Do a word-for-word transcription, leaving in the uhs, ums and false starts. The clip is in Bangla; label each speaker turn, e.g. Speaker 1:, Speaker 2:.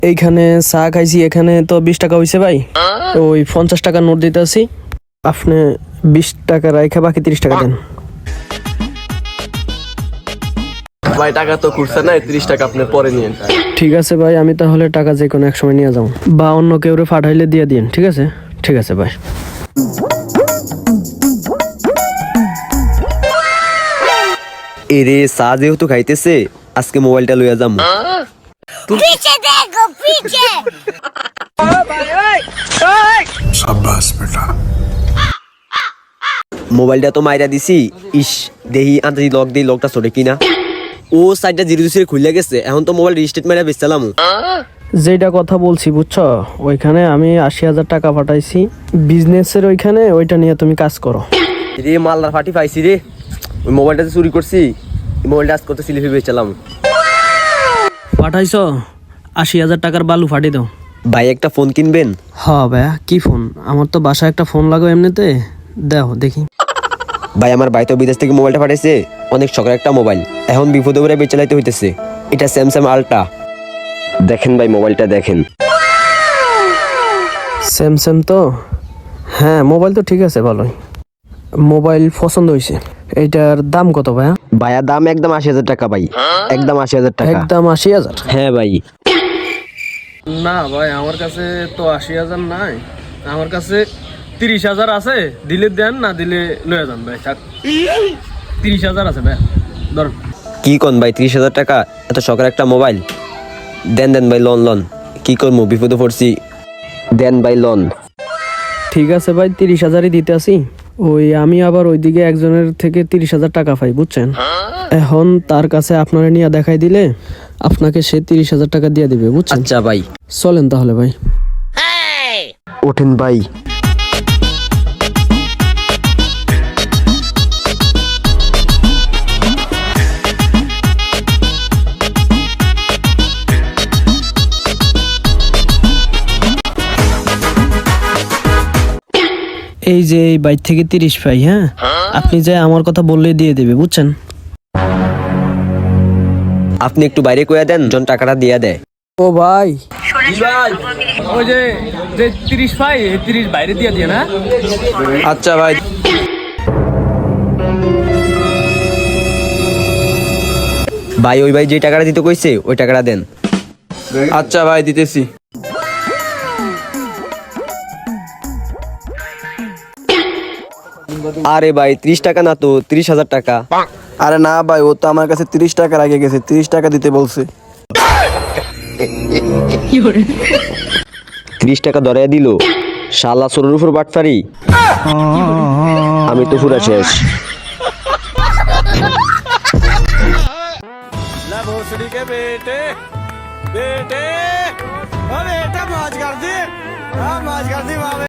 Speaker 1: এইখানে চা খাইছি, এখানে তো বিশ টাকা হয়েছে ভাই। ওই পঞ্চাশ টাকা নোট দিতে আসি, আপনি বিশ টাকা রাইখা বাকি তিরিশ টাকা দেন।
Speaker 2: ভাই টাকা তো খুঁজছে না, তিরিশ টাকা আপনি পরে নিয়েন।
Speaker 1: ঠিক আছে ভাই, আমি তাহলে টাকা যে কোনো এক সময় নিয়ে যাবো, বা অন্য কেউ পাঠাইলে দিয়ে দিন। ঠিক আছে ঠিক আছে ভাই।
Speaker 3: এরে চা যেহেতু খাইতেছে, আজকে মোবাইলটা লইয়া যাম।
Speaker 4: पीछे देखो पीछे
Speaker 5: शाबाश बेटा।
Speaker 3: মোবাইলটা তো মাইরা দিছি, ইস দেহি আন্দাজি লক দেই, লকটা চলে কিনা। ও সাইডটা জিরো জিরো খুলে গেছে, এখন তো মোবাইল রিস্টার্ট মাইরা বেচলাম।
Speaker 1: যেটা কথা বলছি বুঝছো, ওইখানে আমি আশি হাজার টাকা পাঠাইছি বিজনেসের, ওইখানে ওইটা নিয়ে তুমি কাজ করো।
Speaker 3: রে মালদার ফাটি পাইছি রে, ওই মোবাইলটা চুরি করছি, মোবাইলটা আজ কত সিলিপি বেচলাম।
Speaker 1: পাঠাইছো আশি হাজার টাকার বালু ফাটি দাও।
Speaker 3: ভাই একটা ফোন কিনবেন?
Speaker 1: হ্যাঁ ভাইয়া, কি ফোন? আমার তো বাসায় একটা ফোন লাগো এমনিতে, দেখো দেখি।
Speaker 3: ভাই আমার ভাই তো বিদেশ থেকে মোবাইলটা পাঠাইছে, অনেক শখের একটা মোবাইল, এখন বিপদে পড়ে বেচালাইতে হইতেছে। এটা স্যামসাং আলট্রা, দেখেন ভাই মোবাইলটা দেখেন।
Speaker 1: স্যামসাং তো, হ্যাঁ মোবাইল তো ঠিক আছে, ভালোই মোবাইল পছন্দ হয়েছে। এইটার দাম কত ভাইয়া?
Speaker 3: ভাইয়া দাম একদম আশি হাজার টাকা ভাই, একদম আশি হাজার টাকা।
Speaker 1: একদম আশি হাজার?
Speaker 3: হ্যাঁ ভাই।
Speaker 1: না ভাই, আমার কাছে তো আশি হাজার নাই, আমার কাছে তিরিশ হাজার আছে, দিলে দেন, না দিলে লয়ে যান ভাই। থাক, তিরিশ হাজার আছে ভাই, ধর।
Speaker 3: কি কোন ভাই, ত্রিশ হাজার টাকা এত শখের একটা মোবাইল? দেন দেন ভাই, লোন লোন কি করবো, বিপদে পড়ছি, দেন ভাই লোন।
Speaker 1: ঠিক আছে ভাই, তিরিশ হাজারই দিতে আসি। ওই আমি আবার ওইদিকে একজনের থেকে তিরিশ হাজার টাকা পাই বুঝছেন, এখন তার কাছে আপনারা নিয়ে দেখাই দিলে আপনাকে সে তিরিশ হাজার টাকা দিয়ে দিবে বুঝছেন।
Speaker 3: আচ্ছা ভাই,
Speaker 1: চলেন তাহলে ভাই।
Speaker 3: ওঠেন ভাই।
Speaker 1: এই যে এই বাইর থেকে তিরিশ পাই, হ্যাঁ আপনি যে আমার কথা বললে দিয়ে দেবে বুঝছেন।
Speaker 3: আপনি একটু বাইরে কইয়া দেন, জন টাকাটা দিয়া দেয়।
Speaker 1: ও ভাই, ওই যে যে তিরিশ পাই, এই তিরিশ বাইরে দিয়ে দিয়ে না।
Speaker 2: আচ্ছা ভাই,
Speaker 3: ভাই ওই ভাই যে টাকাটা দিতে কইছে ওই টাকাটা দেন।
Speaker 2: আচ্ছা ভাই দিতেছি।
Speaker 3: আরে ভাই ত্রিশ টাকা না তো, ত্রিশ হাজার টাকা।
Speaker 2: আরে না ভাই, ও তো আমার কাছে তিরিশ টাকা আগে গেছে, তিরিশ টাকা দিতে বলছে।
Speaker 3: ত্রিশ টাকা ধরে দিল, শালা সরুর উপর বাটফারি। আমি তো পুরা শেষ।
Speaker 2: भोसड़ी के बेटे बेटे ओ बेटा मौज कर दी, हाँ मौज कर दी।